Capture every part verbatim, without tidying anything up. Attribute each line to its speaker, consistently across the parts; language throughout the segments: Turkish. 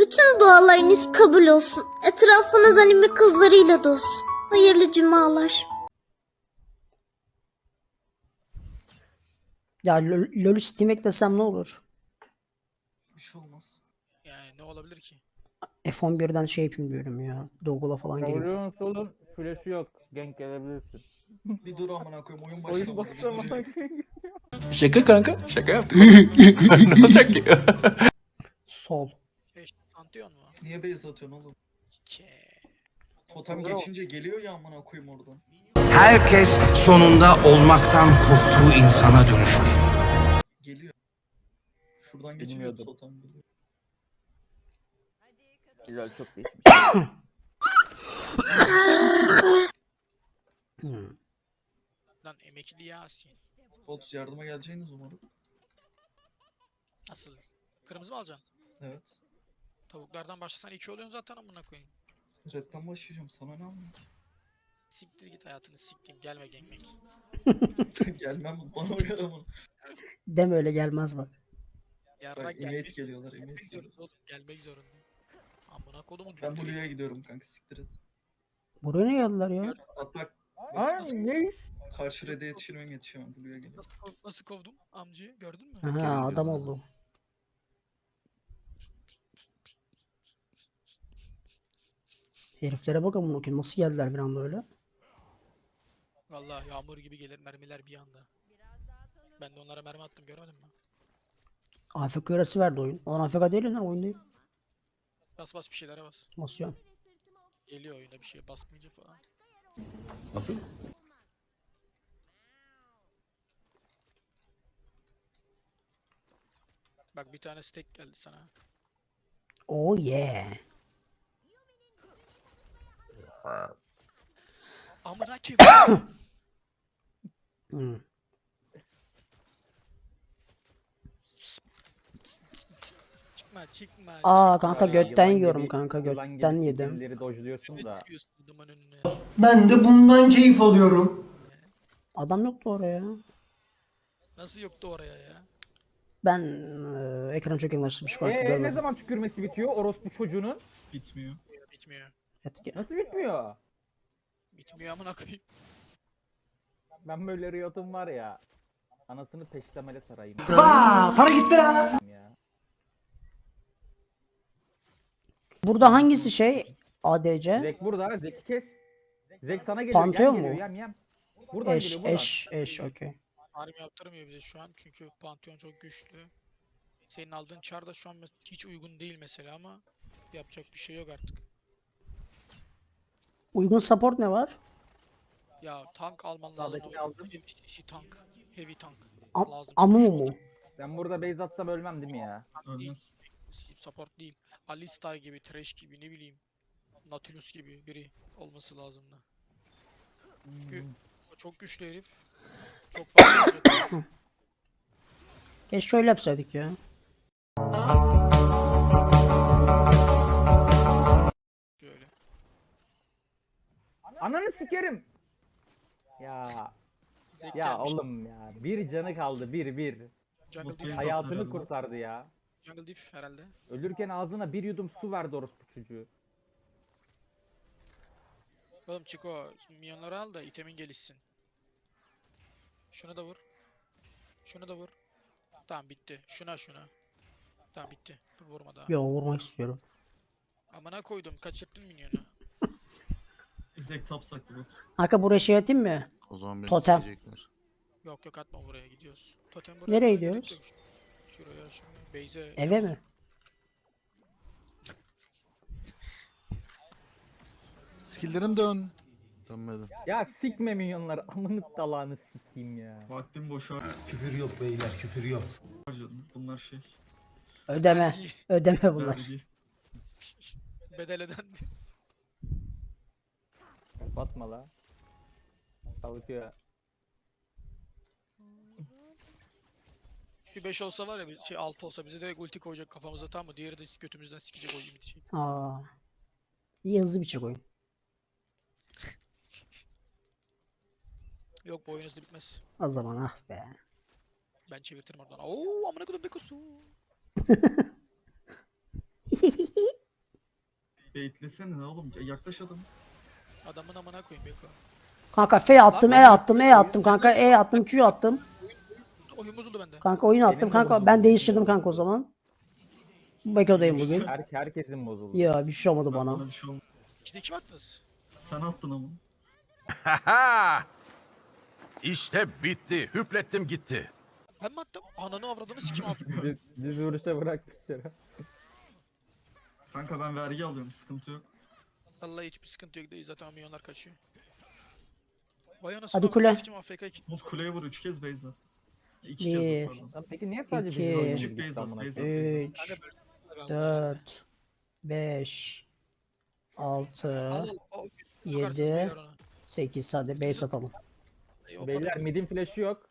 Speaker 1: Bütün dualarınız kabul olsun. Etrafınız anime kızlarıyla dolsun. Hayırlı cumalar.
Speaker 2: Ya LoL LoL'ü Steam eklesem ne olur?
Speaker 3: Bir şey olmaz.
Speaker 4: Yani ne olabilir ki?
Speaker 2: F on birden şey yapayım diyorum ya. Dougle'a falan gireyim.
Speaker 5: Savuruyorsun solun flash'ı yok. Gank gelebilirsin.
Speaker 3: Bir dur amına koyayım oyun
Speaker 5: Oyun
Speaker 3: başlamadı. bir
Speaker 5: başlamadan
Speaker 3: dur.
Speaker 6: Şaka kanka. Şaka yaptım. Ne olacak ki?
Speaker 2: Sol.
Speaker 4: Şey, işte, Pantheon mu?
Speaker 3: Niye base atıyorsun oğlum?
Speaker 4: Ke.
Speaker 3: Totem geçince geliyor ya amına koyayım oradan.
Speaker 7: Herkes sonunda olmaktan korktuğu insana dönüşür.
Speaker 3: Geliyor. Şuradan geçince
Speaker 5: Bilmiyordum.
Speaker 3: totem geliyor.
Speaker 5: Güzel, çok değişmiş.
Speaker 2: Hmm.
Speaker 4: Lan emekli Yasin.
Speaker 3: Bot yardıma geleceğiniz umarım.
Speaker 4: Nasıl? Kırmızı mı alacaksın?
Speaker 3: Evet.
Speaker 4: Tavuklardan başlasan iki oluyorsun zaten amına koyayım.
Speaker 3: Red'den başlayacağım sana ne amına.
Speaker 4: Siktir git hayatını siktim. Gelme gengmek.
Speaker 3: Gelmem bana uyar ama.
Speaker 2: Deme öyle gelmez bak.
Speaker 4: Yarrak
Speaker 3: Bak
Speaker 4: gelmek
Speaker 3: image geliyorlar image
Speaker 4: Gelmek
Speaker 3: geliyor.
Speaker 4: zorunda oğlum. Gelmek zorunda. Amına kodumun
Speaker 3: Ben
Speaker 4: dürtleri.
Speaker 3: Blue'ya gidiyorum kanka siktir et.
Speaker 2: Buraya ne geldiler ya?
Speaker 3: Hatta
Speaker 5: Ay ne iş?
Speaker 3: karşı Red'e yetişirmem yetişemem Blue'ya geliyorum.
Speaker 4: Nasıl, kov- nasıl kovdum amcayı gördün mü?
Speaker 2: Aha adam oldu. Heriflere bak amına koyayım nasıl geldiler bir anda öyle.
Speaker 4: Vallahi yağmur gibi gelir mermiler bir anda. Ben de onlara mermi attım görmedin mi?
Speaker 2: A F K arası verdi oyun. Lan A F K değil lan oyundayım.
Speaker 4: Bas bas bir şeylere bas.
Speaker 2: Basıyorum.
Speaker 4: Geliyor oyuna bir şey basmayınca falan.
Speaker 6: Nasıl?
Speaker 4: Bak bir tane steak geldi sana.
Speaker 2: Oh yeah.
Speaker 4: Amına koyayım.
Speaker 2: Hmm.
Speaker 4: Çıkma çıkma.
Speaker 2: Aa
Speaker 4: çıkma.
Speaker 2: kanka
Speaker 5: Aa,
Speaker 2: götten
Speaker 5: yılan
Speaker 2: yiyorum
Speaker 5: gibi-
Speaker 2: kanka
Speaker 5: yılan gibi
Speaker 2: götten yedim.
Speaker 5: skill'leri dojluyorsun da.
Speaker 4: Çıkıyorsun adamın önüne.
Speaker 8: Ben de bundan keyif alıyorum.
Speaker 2: Adam yoktu oraya.
Speaker 4: Nasıl yoktu oraya ya?
Speaker 2: Ben eee ekran çok yakınlaştırmış kanka
Speaker 5: Eee ne
Speaker 2: görmedim.
Speaker 5: zaman tükürmesi bitiyor orospu çocuğunun?
Speaker 3: Bitmiyor.
Speaker 4: Bitmiyor.
Speaker 2: Etki.
Speaker 5: Nasıl bitmiyor?
Speaker 4: Bitmiyor amına koyayım.
Speaker 5: Ben böyle Riot'um var ya. Anasını peştemele sarayım.
Speaker 8: Aa, para gitti ya.
Speaker 5: Ya.
Speaker 2: Burada hangisi şey? A D C?
Speaker 5: Zek burada, Zek'i kes. Zek sana geliyor,
Speaker 2: Pantheon
Speaker 5: yem geliyor,
Speaker 2: mu?
Speaker 5: yem yem. Buradan
Speaker 2: Eş
Speaker 5: geliyor, buradan.
Speaker 2: eş eş okey.
Speaker 4: Farm yaptırmıyor bize şu an çünkü Pantheon çok güçlü. Senin aldığın çar da şu an mes- hiç uygun değil mesela ama yapacak bir şey yok artık.
Speaker 2: Uygun support ne var?
Speaker 4: Ya tank alman lazım.
Speaker 5: Sağdakini
Speaker 4: o
Speaker 5: aldım.
Speaker 4: Heavy C C tank. Heavy tank.
Speaker 2: Am
Speaker 4: lazım.
Speaker 2: Amu
Speaker 4: Şu
Speaker 2: mu?
Speaker 4: an
Speaker 5: Ben burada base atsam ölmem değil mi ya?
Speaker 4: tank değil,
Speaker 3: Ölmez.
Speaker 4: support değil. Alistar gibi, Thresh gibi ne bileyim. Nautilus gibi biri olması lazım da. Çünkü o çok güçlü herif. Çok fazla olacak.
Speaker 2: Keşke şöyle yapsaydık ya.
Speaker 4: Şöyle.
Speaker 5: Ananı sikerim. Ya
Speaker 4: Zek
Speaker 5: ya
Speaker 4: gelmiş.
Speaker 5: oğlum ya. Bir canı kaldı, bir bir.
Speaker 4: Jungle
Speaker 3: Mutlu
Speaker 4: Diff,
Speaker 3: insan.
Speaker 5: Hayatını
Speaker 3: herhalde.
Speaker 5: kurtardı ya.
Speaker 4: Jungle Diff herhalde.
Speaker 5: Ölürken ağzına bir yudum su verdi orospu çocuğu.
Speaker 4: Oğlum Chico, minyonları al da itemin gelişsin. Şunu da vur. Şunu da vur. Tamam bitti. Şuna şuna. Tamam bitti. Dur vurma daha.
Speaker 2: Yo vurmak istiyorum.
Speaker 4: Amına koydum. Kaçırttın minyonu.
Speaker 3: Zek top saktı bot.
Speaker 2: Kanka buraya şey atayım mı?
Speaker 9: O zaman beni
Speaker 2: Totem.
Speaker 9: sikecekler.
Speaker 4: Yok yok atma buraya gidiyoruz. Totem buraya.
Speaker 2: Nereye
Speaker 4: atmaya gerek
Speaker 2: gidiyoruz?
Speaker 4: yok. Şuraya şuraya. Beyze.
Speaker 2: Eve mi?
Speaker 9: Skill'lerin dön. Dönmedi.
Speaker 5: Ya sikme minyonları. Amını dalağını sikeyim ya.
Speaker 3: Vaktim boşa
Speaker 8: Küfür yok beyler, küfür yok.
Speaker 3: harcadım. Bunlar şey.
Speaker 2: Ödeme.
Speaker 4: Vergi.
Speaker 2: Ödeme bunlar.
Speaker 3: Vergi.
Speaker 4: Bedel ödendi.
Speaker 5: Kapatma la. Savutuyor.
Speaker 4: Bir beş olsa var ya bir şey altı olsa bize direkt ulti koyacak kafamıza tamam mı? Diğeri de götümüzden sikecek o gibi şey.
Speaker 2: Aa. İyi hızlı bir çek oyun.
Speaker 4: Yok bu oyun hızlı bitmez.
Speaker 2: O zaman ah be.
Speaker 4: Ben çevirtirim oradan. Oo amına koydum Bekosu.
Speaker 3: Baitlesene ne oğlum? Ya yaklaş adam.
Speaker 4: Adamın amına koyayım Beko.
Speaker 2: Kanka F attım, E attım, E attım kanka, E attım, Q attım.
Speaker 4: Oyun bozuldu bende.
Speaker 2: Kanka oyun attım
Speaker 5: Benim de
Speaker 2: kanka.
Speaker 5: bozuldu.
Speaker 2: Ben değiştirdim kanka o zaman. Beko'dayım bugün.
Speaker 5: Her, herkesin bozuldu.
Speaker 2: Ya bir şey olmadı
Speaker 3: Bana
Speaker 2: bana.
Speaker 3: bir şey olmadı.
Speaker 4: ikide iki mi attınız?
Speaker 3: Sen attın ama.
Speaker 6: İşte bitti. Hüplettim gitti.
Speaker 4: Ben mi attım? Ananı avradını sikim aldım.
Speaker 5: Biz, biz vuruşa bıraktık yere.
Speaker 3: Kanka ben vergi alıyorum sıkıntı yok.
Speaker 4: Vallahi hiçbir sıkıntı yok değil zaten milyonlar kaçıyor. Vay anasını
Speaker 2: Hadi
Speaker 4: avradını
Speaker 2: kule.
Speaker 4: sikim A F K iki.
Speaker 3: Umut kuleye vur üç kez base at. İki kez
Speaker 2: Bir.
Speaker 3: vur pardon.
Speaker 5: Lan peki niye sadece
Speaker 2: İki.
Speaker 5: bir oyun
Speaker 3: Çık
Speaker 5: girdik
Speaker 3: base at
Speaker 5: amına
Speaker 3: base at
Speaker 5: koyayım?
Speaker 3: base at.
Speaker 2: üç,
Speaker 4: Ben-
Speaker 2: dört, beş, altı,
Speaker 4: Al al. al.
Speaker 2: yedi,
Speaker 4: Sokarsınız beyler ona.
Speaker 2: sekiz. Hadi base atalım.
Speaker 4: Ey, o
Speaker 5: Beyler
Speaker 4: kadar.
Speaker 5: midin flash'ı yok.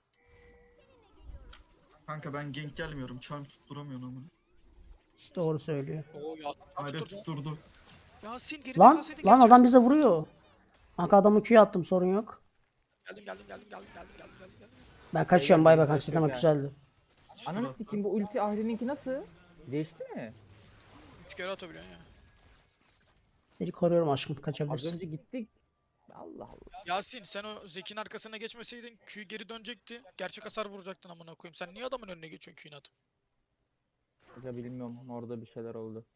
Speaker 3: Kanka ben gank gelmiyorum. Charm tutturamıyorum ama.
Speaker 2: Doğru söylüyor.
Speaker 4: Oo ya.
Speaker 3: Hayret
Speaker 4: Tutturdu.
Speaker 3: tutturdu.
Speaker 4: Yasin geri
Speaker 2: Lan
Speaker 4: kalsaydın
Speaker 2: lan
Speaker 4: gerçekten-
Speaker 2: adam bize vuruyor. Kanka adamı Q'ya attım, sorun yok.
Speaker 4: Geldim geldim geldim geldim geldim geldim geldim. geldim.
Speaker 2: Ben kaçıyorum, bay bay kanka,
Speaker 5: Beyler,
Speaker 2: ama
Speaker 5: beyler.
Speaker 2: güzeldi.
Speaker 5: Ananı sikeyim bu ulti Ahri'ninki nasıl? Değişti mi?
Speaker 4: Üç kere atabiliyorsun ya.
Speaker 2: Seni koruyorum aşkım,
Speaker 5: Az
Speaker 2: kaçabilirsin.
Speaker 5: önce gittik. Allah Allah.
Speaker 4: Yasin sen o Zeki'nin arkasına geçmeseydin Q geri dönecekti. Gerçek hasar vuracaktın amına koyayım. Sen niye adamın önüne geçiyorsun Q'yu atıp?
Speaker 5: Ya bilmiyorum orada bir şeyler oldu.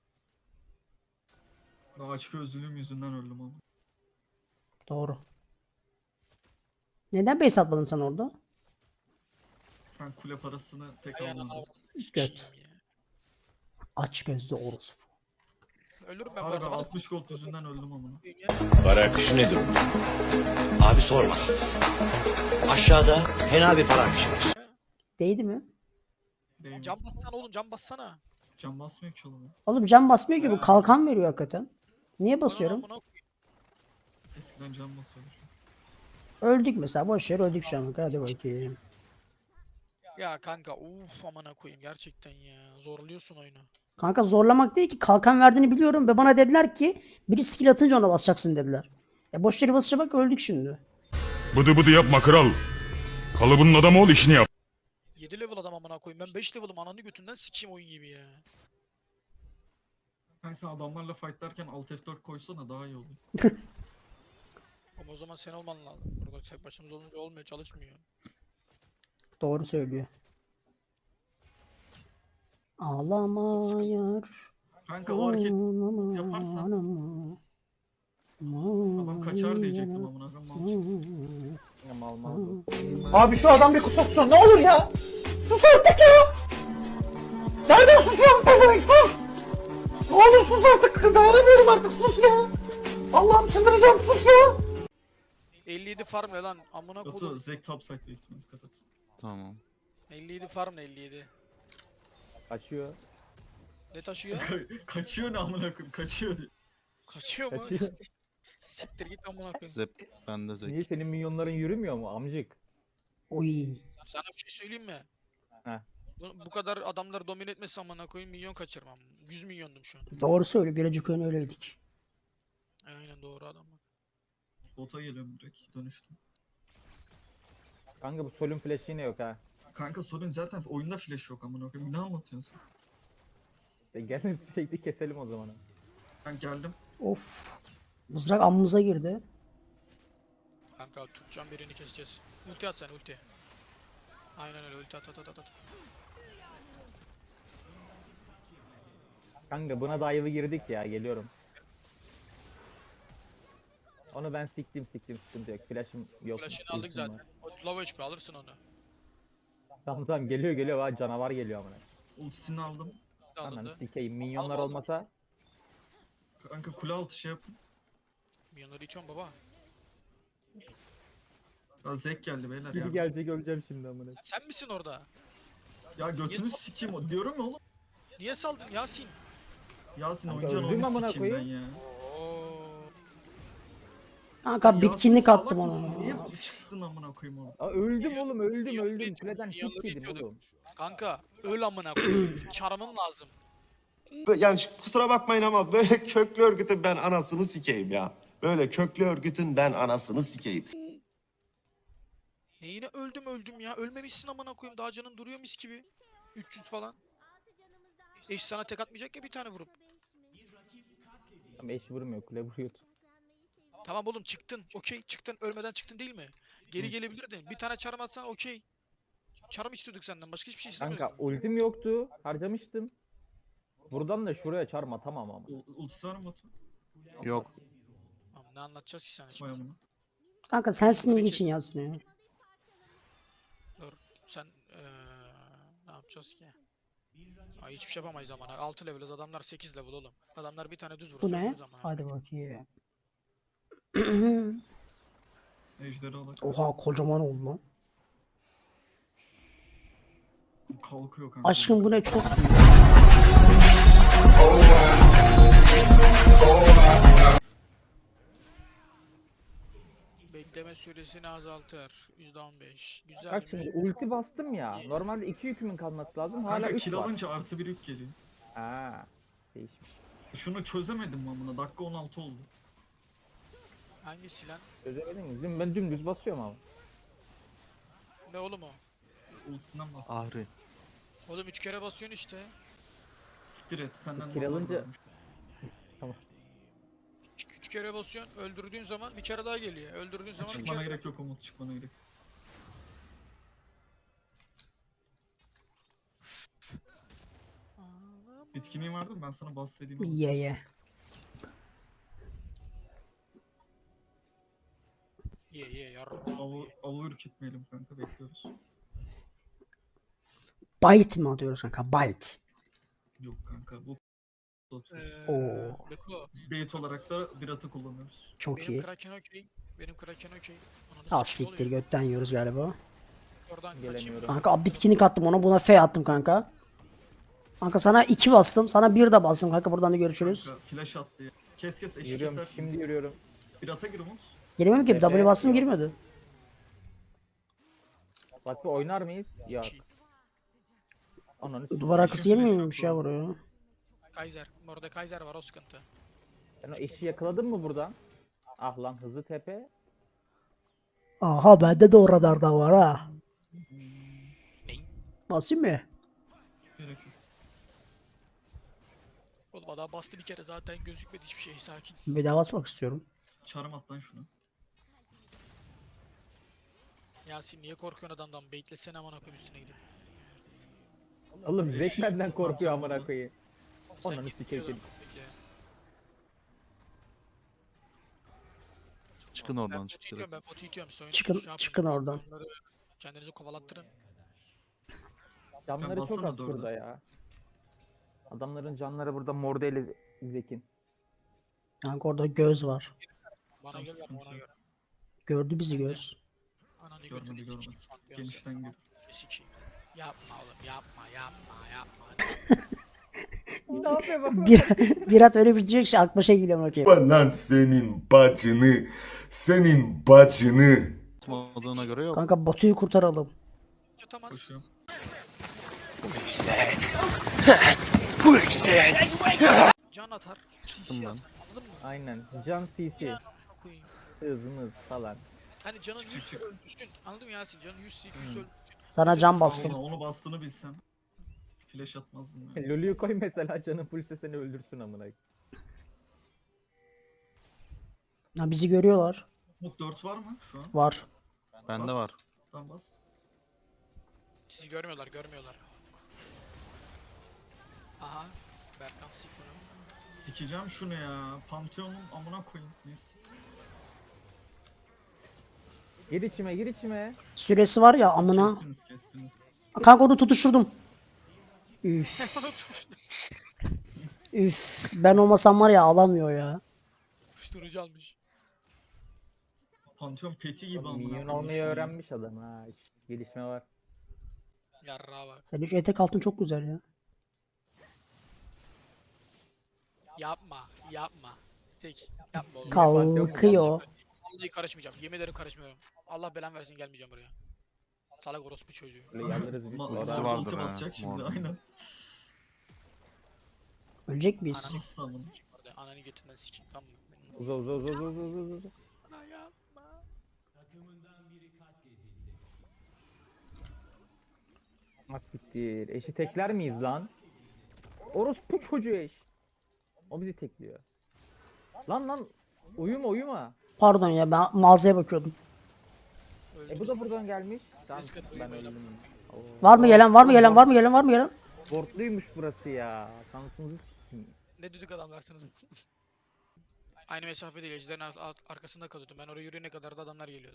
Speaker 3: Ben aç gözlülüğüm yüzünden öldüm ama.
Speaker 2: Doğru. Neden base atmadın sen orada?
Speaker 3: Ben kule parasını tek
Speaker 4: Ayağına
Speaker 3: almadım.
Speaker 4: avradını sikeyim
Speaker 2: Göt.
Speaker 4: ya.
Speaker 2: Aç gözlü orospu.
Speaker 4: Ölürüm ben bu
Speaker 3: Abi ben
Speaker 4: arada. Bana
Speaker 3: altmış gold yüzünden öldüm ama.
Speaker 4: s**eyim ya.
Speaker 6: Para akışı nedir?
Speaker 10: Abi sorma. Aşağıda fena bir para akışı var.
Speaker 2: Değdi mi?
Speaker 3: Değmez.
Speaker 4: Can bassana oğlum can bassana.
Speaker 3: Can basmıyor ki oğlum.
Speaker 2: Oğlum can basmıyor ki, bu kalkan veriyor hakikaten. Niye basıyorum?
Speaker 4: Bana amına koyayım.
Speaker 3: Eskiden can basıyordu.
Speaker 2: Öldük mesela, boş yer öldük şu an. Hadi bakayım.
Speaker 4: Ya kanka uf amına koyayım gerçekten ya. Zorluyorsun oyunu.
Speaker 2: Kanka zorlamak değil ki, kalkan verdiğini biliyorum ve bana dediler ki biri skill atınca ona basacaksın dediler. E boş yere basınca bak öldük şimdi.
Speaker 11: Bıdı bıdı yapma kral. Kalıbının adamı ol, işini yap.
Speaker 4: yedi level adam amına koyayım. Ben beş level'ım ananı götünden sikeyim oyun gibi ya.
Speaker 3: Sen sen adamlarla fightlarken alt F dört koysana daha iyi olur.
Speaker 4: Ama o zaman sen olman lazım. Burada tek başımız olunca olmuyor çalışmıyor.
Speaker 2: Doğru söylüyor. Ağlama yar.
Speaker 3: Kanka o hareket
Speaker 2: ağlama,
Speaker 3: yaparsan-
Speaker 2: ağlama.
Speaker 3: adam kaçar diyecektim amına koyayım. Mal çıktı.
Speaker 5: Ya mal mal. bu.
Speaker 8: Abi şu adam bir kusursun ne olur ya. Sus artık ya. Nereden susuyorsun sen sus. Ne olur sus artık. Dayanamıyorum artık, sus ya. Allah'ım çıldıracağım, sus ya.
Speaker 4: elli yedi farm ne lan amına
Speaker 3: Batu
Speaker 4: koydum.
Speaker 3: Zek topside büyük ihtimalle dikkat et.
Speaker 9: Tamam.
Speaker 4: elli yedi farm ne elli yedi?
Speaker 5: Kaçıyor.
Speaker 4: Ne taşıyor?
Speaker 3: Ka- kaçıyor ne amına koyayım kaçıyor diye.
Speaker 4: Kaçıyor mu?
Speaker 5: Kaçıyor.
Speaker 4: Siktir git amına koyayım.
Speaker 9: Zep bende zek.
Speaker 5: Niye senin minyonların yürümüyor mu amcık?
Speaker 2: Oy.
Speaker 4: Sana bir şey söyleyeyim mi?
Speaker 5: Heh.
Speaker 4: Bu, bu kadar adamları domine etmesi amına koyayım milyon kaçırmam. yüz milyondum şu an.
Speaker 2: Doğru söylüyor. Birazcık ön öyleydik.
Speaker 4: Aynen doğru adam bak.
Speaker 3: Bota geliyorum direkt dönüştüm.
Speaker 5: Kanka bu solun flash'ı yine yok ha.
Speaker 3: Kanka sorun zaten oyunda flash yok amına koyayım. Ne anlatıyorsun sen?
Speaker 5: E gelin sürekli keselim o zaman.
Speaker 3: Ben geldim.
Speaker 2: Of. Mızrak amımıza girdi.
Speaker 4: Kanka tutacağım birini keseceğiz. Ulti at sen ulti. Aynen öyle ulti at at at at. at.
Speaker 5: Kanka buna dive'ı girdik ya, geliyorum. Onu ben siktim siktim sıkıntı yok. Flash'ım yok.
Speaker 4: Flash'ını aldık
Speaker 5: ultim var.
Speaker 4: zaten. O low H P alırsın onu.
Speaker 5: Tamam tamam geliyor geliyor ha, canavar geliyor amına.
Speaker 3: Ultisini aldım.
Speaker 5: Ananı
Speaker 4: Alındı.
Speaker 5: sikeyim, minyonlar
Speaker 4: Alma, alma.
Speaker 5: olmasa
Speaker 3: Kanka kule altı şey yapın.
Speaker 4: Milyonları itiyorum baba.
Speaker 3: Ya Zek geldi beyler
Speaker 5: biri
Speaker 3: ya.
Speaker 5: gelecek, öleceğim şimdi amına.
Speaker 4: Sen misin orada?
Speaker 3: Ya götünü sikeyim o- diyorum ya oğlum.
Speaker 4: Niye saldın Yasin?
Speaker 3: Yasin
Speaker 5: Kanka
Speaker 3: oyuncağı
Speaker 5: öldüm
Speaker 3: onu
Speaker 5: amına
Speaker 3: sikeyim ben
Speaker 5: koyayım.
Speaker 3: ya.
Speaker 4: Oo.
Speaker 2: Kanka
Speaker 3: Yasin
Speaker 2: bitkinlik
Speaker 3: salak
Speaker 2: attım
Speaker 3: mısın?
Speaker 2: ona.
Speaker 3: Niye çıktın amına koyayım onu?
Speaker 5: Aa, öldüm oğlum öldüm
Speaker 4: Minyonları
Speaker 5: öldüm.
Speaker 4: itiyorum,
Speaker 5: Kuleden
Speaker 4: minyonları
Speaker 5: hit yedim
Speaker 4: itiyorduk.
Speaker 5: oğlum.
Speaker 4: Kanka öl amına koyayım. Çarmın lazım.
Speaker 10: Yani kusura bakmayın ama böyle köklü örgütün ben anasını sikeyim ya. Böyle köklü örgütün ben anasını sikeyim.
Speaker 4: Neyine öldüm öldüm ya. Ölmemişsin amına koyayım. Daha canın duruyor mis gibi. üç yüz falan. Eş sana tek atmayacak ya bir tane vurup.
Speaker 5: Ama eş vurmuyor, kule vuruyor.
Speaker 4: Tamam oğlum çıktın. Okey çıktın. Ölmeden çıktın değil mi? Geri gelebilirdin. Bir tane çarm atsan okey. Çarm istiyorduk senden. Başka hiçbir şey istemiyorduk.
Speaker 5: Kanka ultim yoktu, harcamıştım. Buradan da şuraya çarm atamam ama.
Speaker 3: U- Ultisi var mı Batu?
Speaker 9: Yok.
Speaker 4: Tamam, ne anlatacağız ki sana
Speaker 3: Vay
Speaker 4: şimdi?
Speaker 3: amına.
Speaker 2: Kanka sensin ilgi için yazsın ya.
Speaker 4: Dur. Sen eee ne yapacağız ki? Ay hiçbir şey yapamayız ama. altı level'ız adamlar sekiz level oğlum. Adamlar bir tane düz vursa
Speaker 2: Bu ne?
Speaker 4: ölürüz ama.
Speaker 2: Hadi bakayım.
Speaker 3: Ejderi alak.
Speaker 2: Oha kocaman oldu lan.
Speaker 3: Kalkıyor kanka.
Speaker 2: Aşkım bu ne çok büyük.
Speaker 4: Bekleme süresini azaltır. yüzde on beş. Güzel
Speaker 5: Bak şimdi
Speaker 4: mi?
Speaker 5: ulti bastım ya.
Speaker 4: İyi.
Speaker 5: Normalde iki yükümün kalması lazım. Hala
Speaker 3: Kanka
Speaker 5: üç
Speaker 3: kill
Speaker 5: var.
Speaker 3: alınca artı bir yük geliyor.
Speaker 5: Ha, değişmiş.
Speaker 3: Şunu çözemedim mi amına? Dakika on altı oldu.
Speaker 4: Hangisi lan?
Speaker 5: Çözemedin mi? Düm- Ben dümdüz basıyorum ama.
Speaker 4: Ne oğlum o?
Speaker 3: Ultisinden bas.
Speaker 9: Ahri.
Speaker 4: Oğlum üç kere basıyorsun işte.
Speaker 3: Siktir et senden
Speaker 5: Kill
Speaker 3: normal
Speaker 5: alınca-
Speaker 3: varmış.
Speaker 4: Üç, üç kere basıyorsun. Öldürdüğün zaman bir kere daha geliyor. Öldürdüğün zaman bir
Speaker 3: Çıkmana
Speaker 4: kere
Speaker 3: gerek yok Umut, çıkmana gerek. Bitkinliğin vardı mı? Ben sana bahsedeyim.
Speaker 2: Ye ye.
Speaker 4: Ye ye yarram.
Speaker 3: Avı, avı ürkütmeyelim kanka, bekliyoruz.
Speaker 2: Bite mi atıyoruz kanka? Bite.
Speaker 3: Yok kanka bu atıyoruz.
Speaker 4: Ee,
Speaker 2: Oo.
Speaker 4: Beko,
Speaker 3: Bait olarak da bir atı kullanıyoruz.
Speaker 2: Çok
Speaker 4: benim
Speaker 2: iyi.
Speaker 4: Kraken okey. Benim Kraken okey. Ananı
Speaker 2: Ah
Speaker 4: sikeyim,
Speaker 2: siktir
Speaker 4: oluyor.
Speaker 2: götten yiyoruz galiba.
Speaker 4: Oradan
Speaker 5: Gelemiyorum.
Speaker 4: kaçayım.
Speaker 2: Kanka bitkinlik attım ona, buna F attım kanka. Kanka sana iki bastım, sana bir de bastım kanka, buradan da görüşürüz.
Speaker 3: Kanka flash attı ya. Kes kes eşi
Speaker 5: Yürüyorum,
Speaker 3: kesersiniz.
Speaker 5: şimdi yürüyorum.
Speaker 3: Bir ata gir Umut.
Speaker 2: Giremiyorum ki,
Speaker 5: Efe
Speaker 2: W bastım
Speaker 5: yok.
Speaker 2: girmedi.
Speaker 5: Bak bir oynar mıyız? Yok. Ananı s-
Speaker 2: Duvar arkası
Speaker 3: Eşin
Speaker 2: gelmiyor
Speaker 3: flash
Speaker 2: muymuş
Speaker 3: yok
Speaker 2: ya
Speaker 3: bu
Speaker 2: buraya?
Speaker 4: Kaiser. Orada Kaiser var o sıkıntı.
Speaker 5: Sen o eşi yakaladın mı buradan? Ah lan hızlı tepe.
Speaker 2: Aha bende de o radarda var ha.
Speaker 4: Ney?
Speaker 2: Basayım mı?
Speaker 3: Gerek yok.
Speaker 4: Oğlum adam bastı bir kere zaten gözükmedi hiçbir şey sakin.
Speaker 2: Bir daha basmak istiyorum.
Speaker 3: Çarım at lan şunu.
Speaker 4: Yasin niye korkuyorsun adamdan? Beklesene aman koyayım üstüne gidip.
Speaker 5: Oğlum Zek benden korkuyor amına koyayım.
Speaker 4: Sen
Speaker 5: Ananı
Speaker 4: git
Speaker 5: sikeyim.
Speaker 4: gidiyordun, bekle.
Speaker 9: Çıkın
Speaker 4: Ben
Speaker 9: oradan
Speaker 4: botu
Speaker 9: çık
Speaker 4: itiyorum
Speaker 9: direkt.
Speaker 4: ben botu itiyorum. Soyun,
Speaker 2: Çıkın-
Speaker 4: şey yapın,
Speaker 2: çıkın oradan.
Speaker 4: onları Kendinizi kovalattırın.
Speaker 5: Canları
Speaker 3: Sen
Speaker 5: çok
Speaker 3: bassana
Speaker 5: az
Speaker 3: dörde.
Speaker 5: burada ya. Adamların canları burada mor değil Zek'in.
Speaker 2: Kanka orada göz var.
Speaker 4: Bana
Speaker 3: Tamam,
Speaker 4: gel
Speaker 3: sıkıntı
Speaker 4: ona
Speaker 3: yok.
Speaker 4: göre.
Speaker 2: Gördü bizi göz.
Speaker 4: Ananı
Speaker 3: Görmedi,
Speaker 4: götünü
Speaker 3: görmedi.
Speaker 4: sikeyim, bak
Speaker 3: Genişten girdi.
Speaker 4: sikeyim. Yapma oğlum yapma yapma yapma.
Speaker 5: Ne yapıyor bak?
Speaker 2: Bir, Birat öyle bir diyecek şey aklıma şey geliyor bakayım.
Speaker 11: Lan senin bacını, senin bacını.
Speaker 9: Tutmadığına göre yok.
Speaker 2: Kanka Batu'yu kurtaralım.
Speaker 4: Tutamaz.
Speaker 3: Koşuyorum.
Speaker 4: Can atar. C C
Speaker 9: Tuttum ben.
Speaker 4: atar. Anladın mı?
Speaker 5: Aynen. Can C C.
Speaker 4: Ya, koyayım.
Speaker 5: Hızımız falan.
Speaker 4: Hani canın
Speaker 3: Çık,
Speaker 4: yüz
Speaker 3: çık, çık.
Speaker 4: öldürsün. Anladın mı Yasin? Canın yüz iki yüz
Speaker 3: Hmm.
Speaker 4: öldürsün.
Speaker 2: Sana can
Speaker 3: Vallahi
Speaker 2: bastım.
Speaker 3: onu bastığını bilsem. Flash atmazdım ya.
Speaker 5: Lulu'yu koy mesela canın fullse seni öldürsün amına koyayım.
Speaker 2: Ha, bizi görüyorlar.
Speaker 3: Umut dört var mı şu an?
Speaker 2: Var.
Speaker 9: Bende var.
Speaker 3: Tamam bas.
Speaker 4: Sizi görmüyorlar görmüyorlar. Aha. Berkan sik bunu.
Speaker 3: Sikeceğim şunu ya. Pantheon'un amına koyayım. Mis.
Speaker 5: Gir içime gir içime.
Speaker 2: Süresi var ya amına.
Speaker 3: Kestiniz kestiniz.
Speaker 2: Kanka onu tutuşturdum. Üf. Üf. Ben olmasam var ya alamıyor ya.
Speaker 4: Uyuşturucu almış.
Speaker 3: Pantheon peti gibi amına
Speaker 5: Minyon
Speaker 3: koyayım
Speaker 5: olmayı
Speaker 3: şunu.
Speaker 5: öğrenmiş adam ha. Gelişme var.
Speaker 4: Yarrağa bak.
Speaker 2: Senin şu etek altın çok güzel ya.
Speaker 4: Yapma. Yapma. Tek. Yapma oğlum.
Speaker 2: Kalkıyor.
Speaker 4: Vallahi karışmayacağım. Yemin ederim karışmıyorum. Allah belan versin gelmeyeceğim buraya. Salak orospu çocuğu.
Speaker 5: Böyle yalvarırız biz.
Speaker 3: Ma
Speaker 9: Ultisi
Speaker 3: Zor
Speaker 9: vardır
Speaker 3: ulti
Speaker 9: ha,
Speaker 3: basacak şimdi
Speaker 9: Morgan.
Speaker 3: aynen.
Speaker 2: Ölecek miyiz?
Speaker 4: Ananı
Speaker 3: Nasıl amına?
Speaker 4: Orada ananı götünden sikeyim tamam mı?
Speaker 5: Uza uza uza uza uza uza uza.
Speaker 4: Ana yapma.
Speaker 5: Ah siktir. Eşi tekler miyiz lan? Orospu çocuğu eş. O bizi tekliyor. Lan lan. Uyuma uyuma.
Speaker 2: Pardon ya ben mağazaya bakıyordum.
Speaker 5: E bu da buradan gelmiş. Tamam
Speaker 4: Risk atmayın
Speaker 5: ben
Speaker 4: böyle.
Speaker 5: öldüm. Oo.
Speaker 2: Var mı gelen var mı gelen var mı gelen var mı gelen?
Speaker 5: Bortluymuş burası ya. Şansınızı s**eyim.
Speaker 4: Ne düdük adamlarsınız. Aynı mesafede ejderin ar- ar- arkasında kalıyordum. Ben oraya yürüyene kadar da adamlar geliyordu.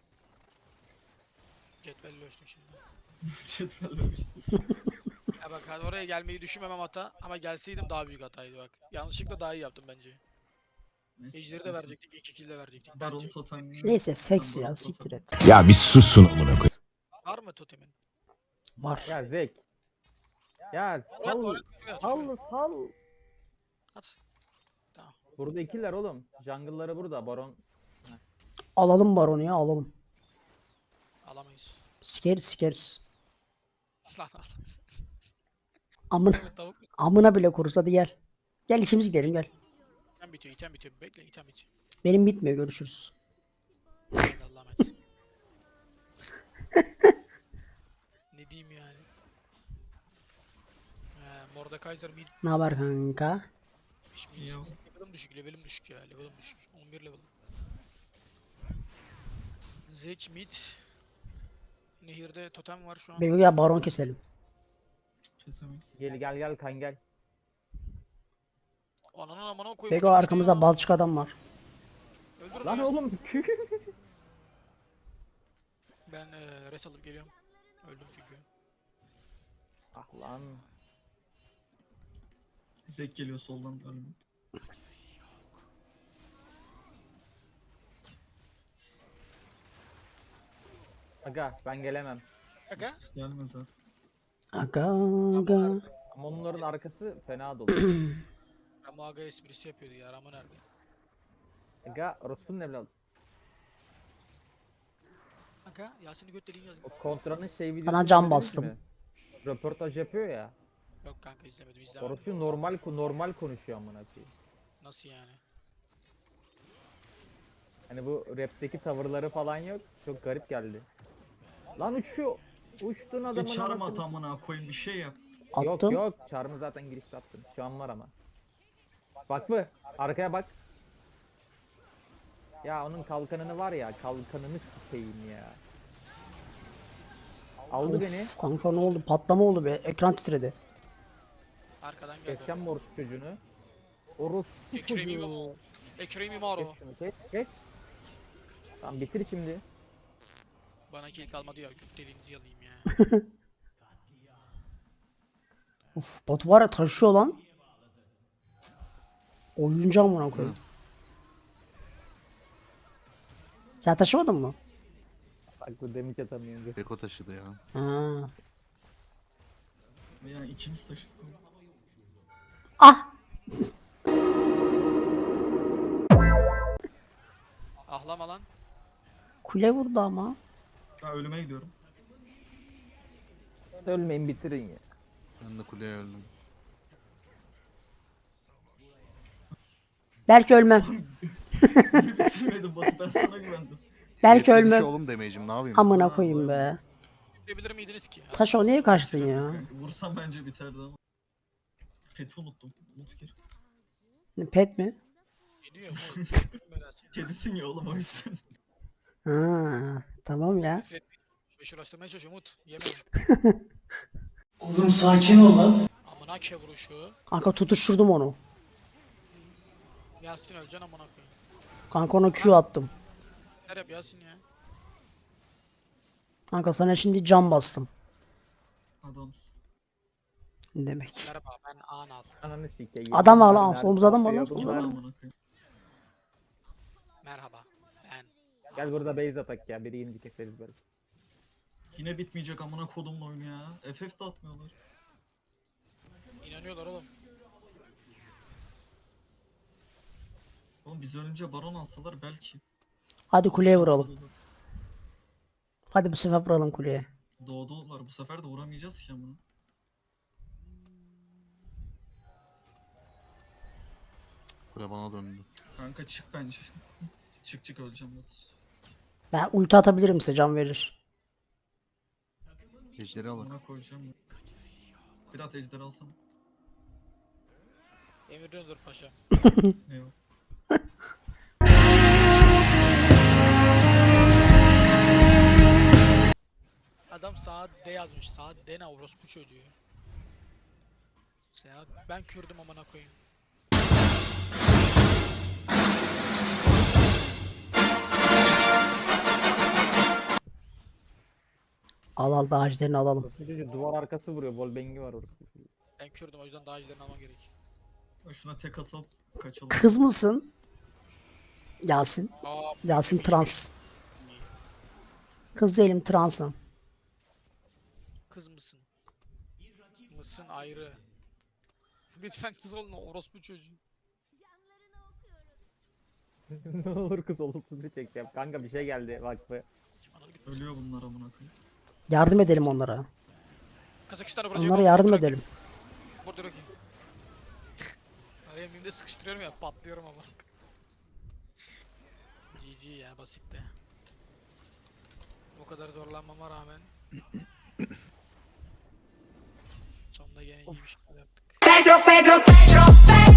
Speaker 4: Cetvelle ölçtüm şimdi.
Speaker 3: Cetvelle ölçtüm.
Speaker 4: Ya bak hadi oraya gelmeyi düşünmemem hata ama gelseydim daha büyük hataydı bak. Yanlışlıkla daha iyi yaptım bence.
Speaker 3: Neyse,
Speaker 4: Ejderi de
Speaker 3: sıkıntı yok.
Speaker 4: verecektik, iki kill de verecektik.
Speaker 3: Baron
Speaker 4: Bence.
Speaker 3: totem.
Speaker 2: Neyse seks ya siktir et.
Speaker 6: Ya bir susun amına koyayım.
Speaker 4: Var mı totemin?
Speaker 2: Var.
Speaker 5: Ya Zek. Ya
Speaker 4: Oraya
Speaker 5: sal.
Speaker 4: oraya şuraya.
Speaker 5: Sal sal.
Speaker 4: At. Tamam.
Speaker 5: Burada ikiler oğlum. Jungle'ları burada. Baron.
Speaker 2: Alalım baronu ya alalım.
Speaker 4: Alamayız.
Speaker 2: Sikeriz sikeriz.
Speaker 4: Lan al.
Speaker 2: Amına,
Speaker 4: Evet, tavuk.
Speaker 2: amına bile koruruz hadi gel. Gel ikimiz gidelim gel.
Speaker 4: İtem bitiyor, item bitiyor. Bekle, item bitiyor.
Speaker 2: Benim bitmiyor görüşürüz.
Speaker 4: Hadi Allah'a emanet. Ne diyeyim yani? He, Mordekaiser mid.
Speaker 2: Ne haber kanka?
Speaker 4: mid.
Speaker 3: İyi ya.
Speaker 4: Level'ım düşük, level'ım düşük ya. Level'ım düşük. on bir level. Zek mid. Nehirde totem var şu an.
Speaker 2: Bego ya baron keselim.
Speaker 3: Kesemeyiz.
Speaker 5: Gel gel gel kan gel.
Speaker 4: Ananın amına koyayım.
Speaker 2: Bego
Speaker 4: burada
Speaker 2: arkamızda
Speaker 4: ya.
Speaker 2: balçık adam var.
Speaker 4: Öldürün
Speaker 5: Lan
Speaker 4: ya.
Speaker 5: oğlum.
Speaker 4: Ben eee res alıp geliyorum. Öldüm çünkü.
Speaker 5: Ah lan.
Speaker 3: Zek geliyor soldan galiba.
Speaker 5: Aga ben gelemem.
Speaker 4: Aga.
Speaker 3: Gelmez zaten.
Speaker 2: Aga aga.
Speaker 5: Ama onların arkası fena dolu.
Speaker 4: Ramo aga esprisi yapıyordu ya. Ramo nerede?
Speaker 5: Aga Rospu'nun evladı.
Speaker 4: Aga Yasin'i götüreyim yazayım.
Speaker 5: O kontranın şey videosu.
Speaker 2: Bana cam
Speaker 5: izlediniz
Speaker 2: bastım.
Speaker 5: mi? Röportaj yapıyor ya.
Speaker 4: Yok kanka izlemedim izlemedim.
Speaker 5: Orası normal normal konuşuyor amına koyayım.
Speaker 4: Nasıl yani?
Speaker 5: Hani bu rapteki tavırları falan yok. Çok garip geldi. Lan uçuyor. Uçtun adamın
Speaker 3: Geç çarmı
Speaker 5: anasını-
Speaker 3: at amına koyayım bir şey yap.
Speaker 5: Yok
Speaker 2: Attım.
Speaker 5: yok. Çarmı zaten girişte attım. Şu an var ama. Bak mı? Arkaya bak. Ya onun kalkanını var ya. Kalkanını sikeyim ya. Aldı
Speaker 2: Of,
Speaker 5: beni.
Speaker 2: kanka ne oldu? Patlama oldu be. Ekran titredi.
Speaker 4: Arkadan geldi.
Speaker 5: Keseceğim mi orospu çocuğunu? Orospu
Speaker 4: Ekrem
Speaker 5: çocuğu.
Speaker 4: İmamoğlu. Ekrem İmamoğlu.
Speaker 5: Kes şunu kes kes. Tamam bitir şimdi.
Speaker 4: Bana kill kalmadı ya. Göt deliğinizi yalayayım ya.
Speaker 2: Uf bot var ya taşıyor lan. Oyuncu amına koyayım. Sen taşımadın mı?
Speaker 5: Bak bu demik atamıyor.
Speaker 9: Beko taşıdı ya.
Speaker 2: Ha.
Speaker 3: Ve yani ikimiz taşıdık onu.
Speaker 2: Ah!
Speaker 4: Ahlama lan.
Speaker 2: Kule vurdu ama.
Speaker 3: Ben ölüme gidiyorum.
Speaker 5: Ölmeyin bitirin ya.
Speaker 9: Ben de kuleye öldüm.
Speaker 2: Belki ölmem.
Speaker 3: Bitirmedim Batu, ben sana güvendim.
Speaker 2: Belki
Speaker 9: Yetmedi ki
Speaker 2: ölmem.
Speaker 9: oğlum damage'im ne yapayım?
Speaker 2: Amına koyayım be.
Speaker 4: Görebilir miydiniz ki?
Speaker 2: Taş o niye kaçtın ya?
Speaker 3: Vursam bence biterdi ama. Pet'i unuttum. Unut kere.
Speaker 2: Pet mi?
Speaker 4: Geliyor mu? Merak
Speaker 3: Kedisin ya oğlum o yüzden.
Speaker 2: Ha, tamam ya.
Speaker 4: Nefret etmeyin. Şu uğraştırmaya çalışıyorum Umut. Yemeyin.
Speaker 8: Oğlum sakin ol lan.
Speaker 4: Amına ke vuruşu.
Speaker 2: Kanka tutuşturdum onu.
Speaker 4: Yasin öleceksin amına koyayım.
Speaker 2: Kanka ona Q attım.
Speaker 4: Her yap Yasin ya.
Speaker 2: Kanka sana şimdi cam bastım.
Speaker 3: Adamsın.
Speaker 2: Ne demek?
Speaker 4: Merhaba ben Anal.
Speaker 5: Ananı sikeyim.
Speaker 2: Adam var lan,
Speaker 5: Nerede
Speaker 2: solumuzda adam var lan,
Speaker 5: yapıyor
Speaker 2: solumuzda
Speaker 5: bunlar?
Speaker 2: adam.
Speaker 3: Amına koyayım.
Speaker 4: Merhaba ben.
Speaker 5: Gel burada base atak ya. Biri indi keseriz böyle.
Speaker 3: Yine bitmeyecek amına kodumun oyunu ya. F F de atmıyorlar.
Speaker 4: İnanıyorlar oğlum.
Speaker 3: Oğlum biz ölünce baron alsalar belki.
Speaker 2: Hadi kuleye vuralım.
Speaker 3: Şansları
Speaker 2: Hadi bu sefer vuralım kuleye.
Speaker 3: olur. Doğdular bu sefer de vuramayacağız ki amına.
Speaker 9: Kule bana döndü.
Speaker 3: Kanka çık bence. Çık çık öleceğim Batu.
Speaker 2: Ben ulti atabilirim size can verir.
Speaker 9: Ejderi alın.
Speaker 3: Amına koyacağım. Biraz ejder alsana.
Speaker 4: Emrediyordur paşa.
Speaker 3: Eyvah.
Speaker 4: Saat D yazmış. Saat D ne orospu çocuğu. Saat ben Kürdüm amına koyayım.
Speaker 2: Al al da ağaçlarını alalım.
Speaker 5: Çocuğu duvar arkası vuruyor. Bol bengi var orada.
Speaker 4: Ben Kürdüm o yüzden daha önceden almam gerek.
Speaker 3: Şuna tek atıp kaçalım.
Speaker 2: Kız mısın? Yasin.
Speaker 4: Aa,
Speaker 2: Yasin trans. Kız değilim, transım.
Speaker 4: kız mısın? Mısın ayrı. Lütfen kız olma orospu çocuğu.
Speaker 5: Ne olur kız olumsuz bir çekeceğim. Kanka bir şey geldi vakfı.
Speaker 3: Ölüyor bunlar amına koyayım.
Speaker 2: Yardım edelim onlara.
Speaker 4: Kazakistan'a vuracak.
Speaker 2: Onlara yardım edelim.
Speaker 4: Burada Rocky. Araya mimde sıkıştırıyorum ya patlıyorum ama. G G ya basitti. O kadar zorlanmama rağmen. Sonunda yine iyi bir şeyler yaptık.
Speaker 7: Pedro, Pedro, Pedro, Pedro.